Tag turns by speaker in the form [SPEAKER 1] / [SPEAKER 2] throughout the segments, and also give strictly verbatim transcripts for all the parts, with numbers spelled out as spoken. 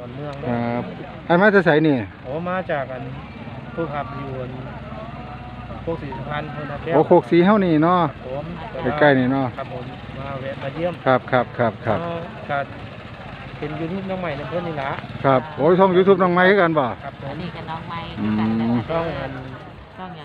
[SPEAKER 1] อนเมือง
[SPEAKER 2] ครับอันมาจะใส่นี่
[SPEAKER 1] โอ้มาจากกันผู้ขับอยู่โคกสีสุพรรณคนนักเที่ยว
[SPEAKER 2] โอ้โคกสีเฮานี่เนาะ
[SPEAKER 1] ผม
[SPEAKER 2] ใกล้ๆนี่เนาะ
[SPEAKER 1] ครับผมมาแวะมาเยี่ยม
[SPEAKER 2] ครับครับครับครับ
[SPEAKER 1] การเป็นยูทูบน้องใหม่ในเพื่อนนี่ละ
[SPEAKER 2] ครับโอ้ยช่อง YouTube น้องไม้กันบ่
[SPEAKER 1] ครับผม
[SPEAKER 3] นี่กับน้องไม้
[SPEAKER 1] ช่องอัน
[SPEAKER 3] ช่องยัง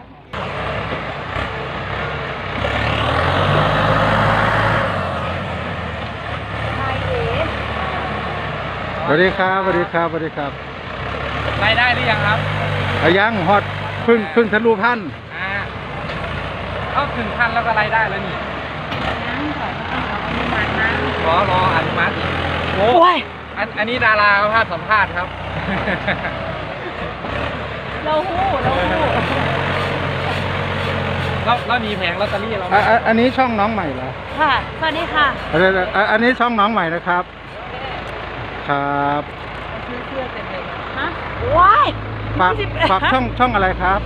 [SPEAKER 2] สวัสดีครับสวัสดีครับสวัสดีครับ
[SPEAKER 1] รายได้หรือยังครับ
[SPEAKER 2] ยังฮอตพึ่งพึ่งทะลุพัน
[SPEAKER 1] อ่าเข้าถึงพันแล้วก็รายได้แล้วนี่
[SPEAKER 3] นั่งก่อนต้องรออนุมัตินะ
[SPEAKER 1] รอรออนุมัติโอ้ยอันอันนี้ดาราเขาพาสัมภาษณ์ครับ
[SPEAKER 3] เราหู้เราหู้
[SPEAKER 1] เราเรามีแผงลอตเตอรี่เรา
[SPEAKER 2] อันนี้ช่องน้องใหม่เหรอ
[SPEAKER 3] ค่ะสวัสดีค่ะ
[SPEAKER 2] อันนี้ช่องน้องใหม่นะครับครับ
[SPEAKER 3] ซื้อเสื้อเต็มเลยฮะว้าย
[SPEAKER 2] ฝากฝากช่องช่องอะไรครับ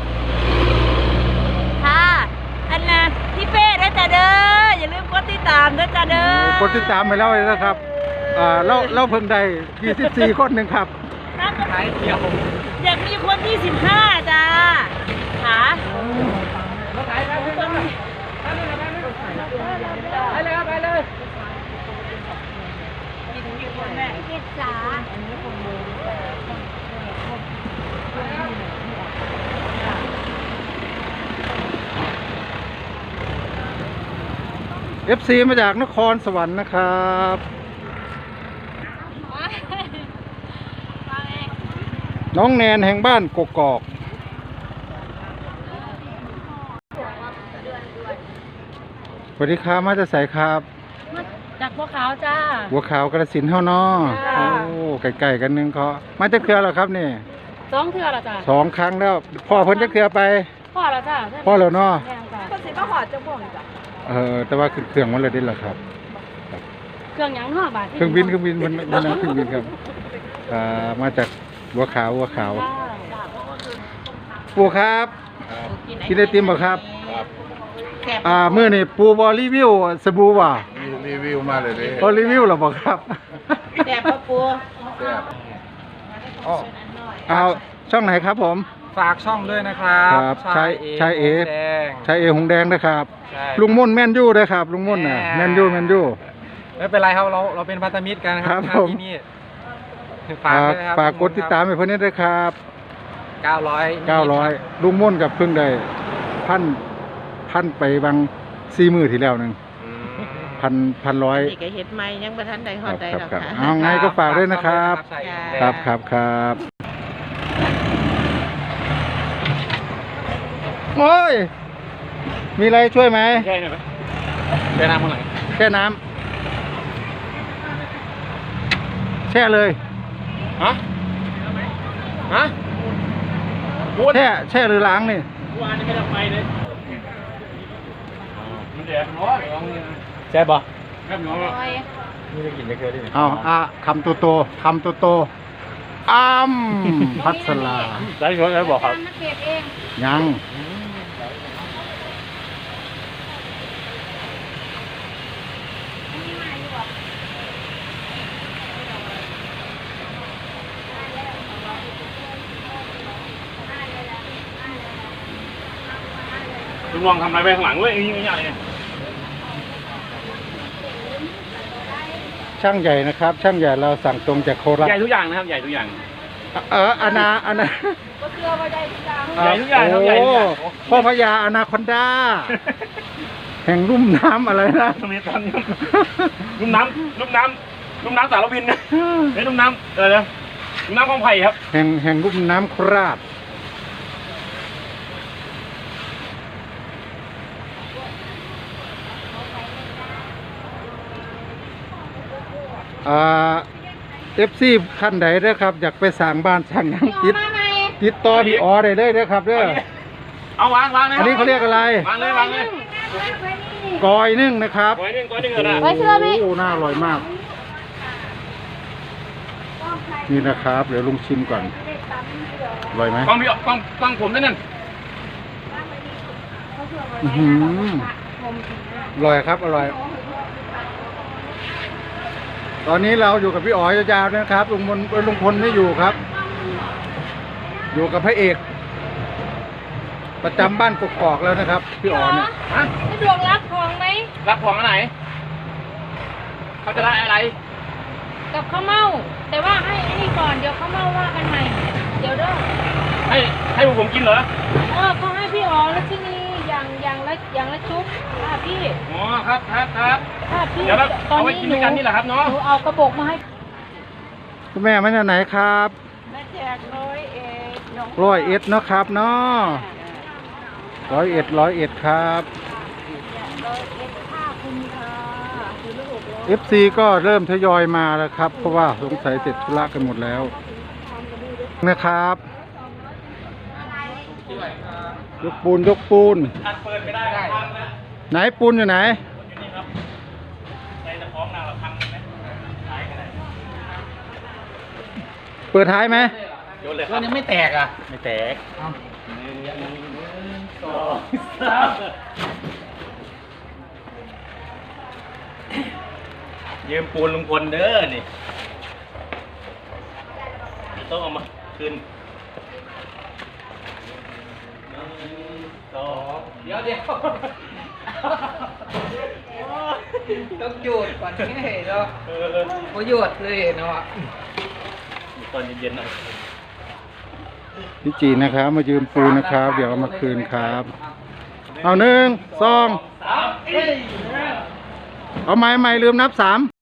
[SPEAKER 3] ค่ะอันน่ะพี่เป้ด้วยจ้าเด้ออย่าลืมกดติดตามด้วยจ้าเด้อก
[SPEAKER 2] ดติดตามไปแล้วเลยนะครับอ่าเราเราเพิ่งได้ยี่สิบสี่คนหนึ่งครับ
[SPEAKER 1] ขายเดียว
[SPEAKER 3] อยากมีคนที่สิบห้าจ้าค่ะ
[SPEAKER 1] เราขายไปเลยไปเลยไปเลย
[SPEAKER 3] กิจจ๋า
[SPEAKER 2] เอฟซีมาจากนครสวรรค์นะครับน้องแนนแห่งบ้านกกอกสวัสดีครับมาจะใส่ครับ
[SPEAKER 3] จากบัวขาวจ้า
[SPEAKER 2] บัวขาวกระสินเฮาเนาะโอ้ไก่ๆกันนึงเขามาจะเครือหรอครับนี่
[SPEAKER 3] สองเครือหรอจ้า
[SPEAKER 2] สองครั้งแล้วพ่อเพิ่นจะเครือไป
[SPEAKER 3] พ่อแล้วจ้า
[SPEAKER 2] พ่อแล้วเนาะ
[SPEAKER 3] ก็สิก็หอดจะบ่วงจ้ะ
[SPEAKER 2] เออแต่ว่าเครื่องมันเลยได้หรอครับ
[SPEAKER 3] เครื่องยังห้าบาท
[SPEAKER 2] เครื่องบินเครื่องบินมันมันเครื่องบินครับอ่ามาจากบัวขาวบัวขาวปูครับกินไอติมบ่ครับอ่าเมื่อนี่ปูบอรีวิวสบู่ว่ะ
[SPEAKER 4] รีวิวมาเลยเลย
[SPEAKER 2] บอรีวิวหรอบอกครับ
[SPEAKER 3] แซ่บปะปู
[SPEAKER 4] แซ่บ
[SPEAKER 2] เอาช่องไหนครับผม
[SPEAKER 1] ฝากช่องด้วยนะครับ
[SPEAKER 2] ชายชายเอชายเอหงแดงนะครับลุงม่นแม่นยู่ด้วยครับลุงม่นน่ะแม่นยู่แม่นยู่
[SPEAKER 1] ไม่เป็นไรครับเราเราเป็นพันธมิตรกันครับที่นี่
[SPEAKER 2] ฝากฝากกดติดตามให้เพื่อนด้วยครับ
[SPEAKER 1] เก้าร้อย
[SPEAKER 2] เก้าร้อยลุงม่นกับเพิ่งได้พันพันไปบางสี่มือที่แล้วหนึ่งพันพันร้อย
[SPEAKER 3] นี่ก็เฮ็ดใหม่ยังบ่ทันได้ฮอดได้หรอกค่ะ
[SPEAKER 2] เอาไงก็ฝากด้วยนะครับครับครับครับโอ้ยมีอะไรช่วยไหม
[SPEAKER 1] แช่หน่อยไหมแช่น้ำเมื่อไหร่
[SPEAKER 2] แช่น้ำแช่เลย
[SPEAKER 1] ฮะฮะ
[SPEAKER 2] แช่แช่หรือล้างนี่
[SPEAKER 1] วานนี่ไม่ได้ไปเลยแช่บ่แช่หนูนี่จะกินไม่เคยได้
[SPEAKER 2] เอาอ่ะคำโตโตคำโตโตอ้ำพัสลา
[SPEAKER 1] ได้ชดได้บอกครับ
[SPEAKER 2] ยัง
[SPEAKER 1] ลุงลองทำอะไรไปข้างหลังเว้ยยิ่งใหญ่เนี่ย
[SPEAKER 2] ช่างใหญ่นะครับช่างใหญ่เราสั่งตรงจากโคราช
[SPEAKER 1] ใหญ่ทุกอย่างนะครับใหญ่ทุกอย่าง
[SPEAKER 2] เอออนาอนา
[SPEAKER 3] ก็เชื่อว่าใหญ่ทุกอย่าง
[SPEAKER 1] ใหญ่ทุกอย่างครับใหญ่ทุกอย่าง
[SPEAKER 2] พ่อพญาอนาคอนดาแห่งลุ่มน้ำอะไรนะ
[SPEAKER 1] ตรงนี้ตอนลุ่มน้ำลุ่มน้ำลุ่มน้ำสารวินนะเฮ้ยลุ่มน้ำเออเนี่ยลุ่มน้ำคลองไผ่ครับ
[SPEAKER 2] แห่งแห่งลุ่มน้ำโคราชเอฟซีขั้นใดเด้อครับอยากไปสั่งบ้านสั่งยังติดติดต่อพี่อ๋อได้เลยเด้อครับเด้อ
[SPEAKER 1] เอาวางวางเลย
[SPEAKER 2] อันนี้เขาเรียกอะไร
[SPEAKER 1] วางเลยวางเลย
[SPEAKER 2] กอยนึ่งนะครับ
[SPEAKER 1] กอยนึ่งกอยนึ่งอะไร
[SPEAKER 3] ไว้เชื่อไหม
[SPEAKER 2] โอ้น่าอร่อยมากนี่นะครับเดี๋ยวลุงชิมก่อนอร่อยไหม
[SPEAKER 1] ฟังพี่ฟังฟังผมด้วยนั่น
[SPEAKER 2] อร่อยครับอร่อยตอนนี้เราอยู่กับพี่อ๋อยยาวๆนะครับลุงพลลุงพลไม่อยู่ครับ อยู่กับพระเอก ประจำบ้านกกอกแล้วนะครับพี่อ๋อเนี่ย
[SPEAKER 1] ฮะ
[SPEAKER 3] สะดวกรับของไหม
[SPEAKER 1] รับของอันไหนเขาจะได้อะไร
[SPEAKER 3] กับข้าวเม่าแต่ว่าให้ไอ้นี่ก่อนเดี๋ยวข้าวเม่าว่ากันใหม่ เดี๋ยวเด้อ
[SPEAKER 1] ให้ให้พวกผมกินเหรอ
[SPEAKER 3] เออเขาให้พี่อ๋อแล้วที่นี่อย่างอย่างละอย่างละชุบค่ะพี่
[SPEAKER 1] อ๋อครับครับครับ
[SPEAKER 3] ค่ะพี่
[SPEAKER 1] เดี๋ยวเรา
[SPEAKER 3] ตอน
[SPEAKER 1] เอาไว้
[SPEAKER 3] นี้
[SPEAKER 1] กิน
[SPEAKER 3] ห
[SPEAKER 1] ด้
[SPEAKER 3] นู
[SPEAKER 1] วยกันนี่แหละครับเนาะ
[SPEAKER 3] หนูเอากระบอกมาให้
[SPEAKER 2] คุณแม่มาจากไหนครับ
[SPEAKER 3] แม่แจกร้อยเอ็ดน้อง
[SPEAKER 2] ร้อยเอ็ดเนาะครับเนาะร้อยเอ็ดร้อยเอ็ดครับ
[SPEAKER 3] ร้อยเอ็ดค่าคุณค่ะคือลูกหกร้อย
[SPEAKER 2] เอฟซีก็เริ่มทยอยมาแล้วครับ เพราะว่าสงสัยเสร็จธุระกันหมดแล้วนะครับ ยกปูนยกปูน
[SPEAKER 1] อันเปิดไม่ได้พังนะ
[SPEAKER 2] ไหนปูนอยู่ไหน
[SPEAKER 1] อยู่นี่ครับในตะของนางเราพังไหมท้ายกันไหน
[SPEAKER 2] เปิดท้ายไหม
[SPEAKER 1] โยนเลยครับยังไม่แตกอ่ะไม่แตกหนึ่งสองสามยืมปูนลุงพลเด้อนี่ต้องเอามาคืนสองเดี๋ยวเดี๋ยว
[SPEAKER 5] ต้องหยุดก่อนนี่เนาะ
[SPEAKER 1] เออ
[SPEAKER 5] พอหยุดเลยเนาะ
[SPEAKER 1] ตอนเย็นๆหน่อย
[SPEAKER 2] พี่จีนะครับ มายืมปูนนะครับ เดี๋ยวเอามาคืนครับ เอาหนึ่งสอง
[SPEAKER 1] สามเอ้ย
[SPEAKER 2] เอาไม้ไม้ลืมนับสาม